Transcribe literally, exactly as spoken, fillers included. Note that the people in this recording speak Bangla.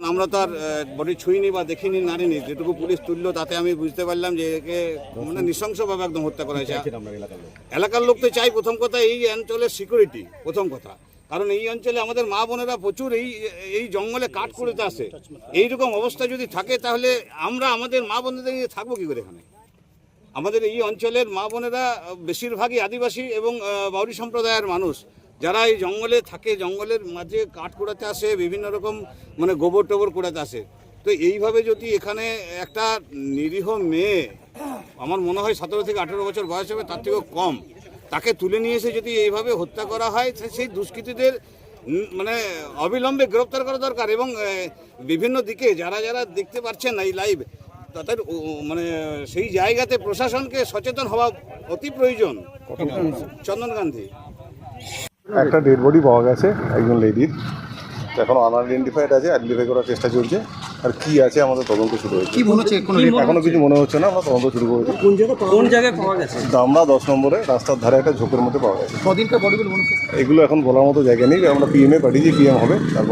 আমরা তো আর বডি ছুঁইনি বা দেখিনি নারিনি, যেটুকু পুলিশ তুললো তাতে আমি বুঝতে পারলাম যে একে মানে নৃশংসভাবে একদম হত্যা করা হয়েছে। এলাকার লোক তো চাই প্রথম কথা এই অঞ্চলের সিকিউরিটি, প্রথম কথা, কারণ এই অঞ্চলে আমাদের মা বোনেরা প্রচুর এই এই জঙ্গলে কাঠ করতে আসে। এইরকম অবস্থা যদি থাকে তাহলে আমরা আমাদের মা বোনেদের নিয়ে থাকবো কী করে এখানে? আমাদের এই অঞ্চলের মা বোনেরা বেশিরভাগই আদিবাসী এবং বাউরি সম্প্রদায়ের মানুষ, যারা এই জঙ্গলে থাকে, জঙ্গলের মাঝে কাঠ কুড়াতে আসে, বিভিন্ন রকম মানে গোবর টোবর কুড়াতে আসে। তো এইভাবে যদি এখানে একটা নিরীহ মেয়ে, আমার মনে হয় সতেরো থেকে আঠেরো বছর বয়স হবে, তার থেকেও কম, তাকে তুলে নিয়ে এসে যদি এইভাবে হত্যা করা হয়, সেই দুষ্কৃতীদের মানে অবিলম্বে গ্রেপ্তার করা দরকার। এবং বিভিন্ন দিকে যারা যারা দেখতে পাচ্ছেন এই লাইভ, তাদের মানে সেই জায়গাতে প্রশাসনকে সচেতন হওয়া অতি প্রয়োজন। চন্দন গান্ধী। একটা ডেড বডি পাওয়া গেছে একজন লেডির, এখন আনআইডেন্টিফাইড আছে, আইডেন্টিফাই করার চেষ্টা চলছে। আর কি আছে আমাদের তদন্ত শুরু হয়েছে। কি মনে হচ্ছে? এখনো কিছু মনে হচ্ছে না, আমরা তদন্ত শুরু করেছি। কোন জায়গায় কোন জায়গায় পাওয়া গেছে? দামড়া দশ নম্বরে রাস্তার ধারে একটা ঝোপের মধ্যে পাওয়া গেছে। কদিনকার বডিগুলো মনে হচ্ছে? এগুলো এখন বলার মতো জায়গা নেই, আমরা পিএমএ পাঠিয়েছি, পিএম হবে তারপর